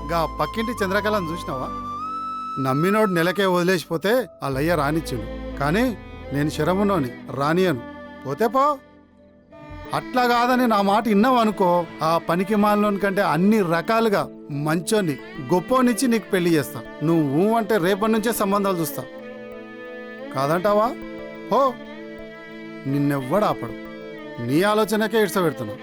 గా పక్కింటి చంద్రకళను చూసినావా? నమ్మినోడు నెలకే వదిలేసిపోతే వాళ్ళయ్య రానిచ్చిండు, కానీ నేను శరమునోని రానియను. పోతే పో. అట్లా కాదని నా మాట విన్నావు అనుకో, ఆ పనికి మాలోని కంటే అన్ని రకాలుగా మంచోని గొప్పోనిచ్చి నీకు పెళ్లి చేస్తా. నువ్వు అంటే రేపటి నుంచే సంబంధాలు చూస్తా. కాదంటావా? హో, నిన్నెవ్వడు ఆపడు. నీ ఆలోచనకే ఇడ్సబెడుతున్నావు.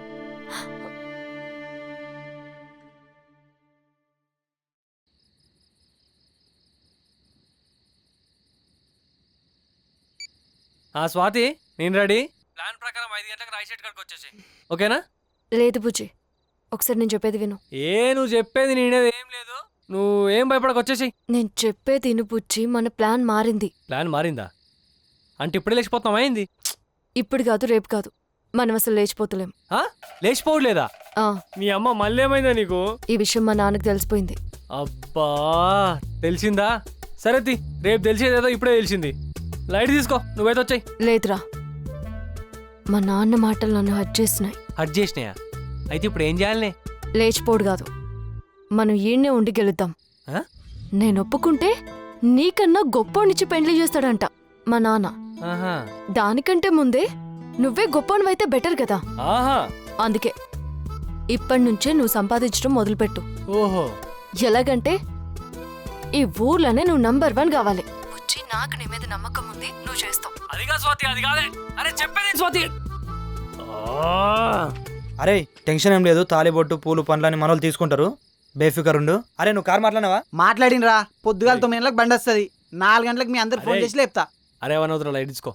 స్వాతి, నేను రెడీ. ప్లాన్ ప్రకారం 5 గంటలకు రైట్ కాడికి వచ్చేసి, ఓకేనా? లేదు బుజ్జి, ఒకసారి నేను చెప్పేది విను. నువ్వు చెప్పేది నేనేది ఏం లేదు. నువ్వు ఏం భయపడకు, వచ్చేసి. నేను చెప్పేది విను బుజ్జి, మన ప్లాన్ మారింది. ప్లాన్ మారిందా? అంటే ఇప్పుడే లేచిపోతాం అయింది? ఇప్పుడు కాదు, రేపు కాదు, మనం అసలు లేచిపోతలేం. లేచిపోవట్లేదా? మీ అమ్మ మళ్ళీ ఏమైందా నీకు? ఈ విషయం మా నాన్నకు తెలిసిపోయింది. అబ్బా, తెలిసిందా? సరే రేపు తెలిసేదేదో ఇప్పుడే తెలిసింది. లైట్ తీసుకో, నువ్వైతే వచ్చాయి. లేదురా, మా నాన్న మాటలు నన్ను హర్ట్ చేసినాయి. హర్ట్ చేసినాయా? అయితే ఇప్పుడు ఏం చేయాలనే? లేచిపోడు కాదు, మనం ఈయన్నే ఉండి గెలుద్దాం. నేను ఒప్పుకుంటే నీకన్నా గొప్పోనిచ్చి పెండ్లి చేస్తాడంట మా నాన్న. దానికంటే ముందే నువ్వే గొప్పనివైతే బెటర్ కదా. అందుకే ఇప్పటి నుంచే నువ్వు సంపాదించడం మొదలుపెట్టు. ఓహో, ఎలాగంటే ఈ ఊర్లోనే నువ్వు నంబర్ 1 కావాలి. వచ్చి నాకు నీ మీద నమ్మకం ఉంది, నువ్వు చేస్తావు. అదిగా స్వాతి, అది కాదే. అరే చెప్పేది స్వాతి. అరే టెన్షన్ ఏం లేదు, తాలిబొట్టు పూలు పండ్లని మనోళ్ళు తీసుకుంటారు, బేఫికర్ ఉండు. అరే నువ్వు కారు మాట్లాడినావా? మాట్లాడినరా, పొద్దుగాల 9 గంటలకు బండి వస్తుంది, 4 గంటలకు మీ అందరు ఫోన్ చేసి లేపుతా. అరే వన్ అవుతున్నా, లైట్ తీసుకో.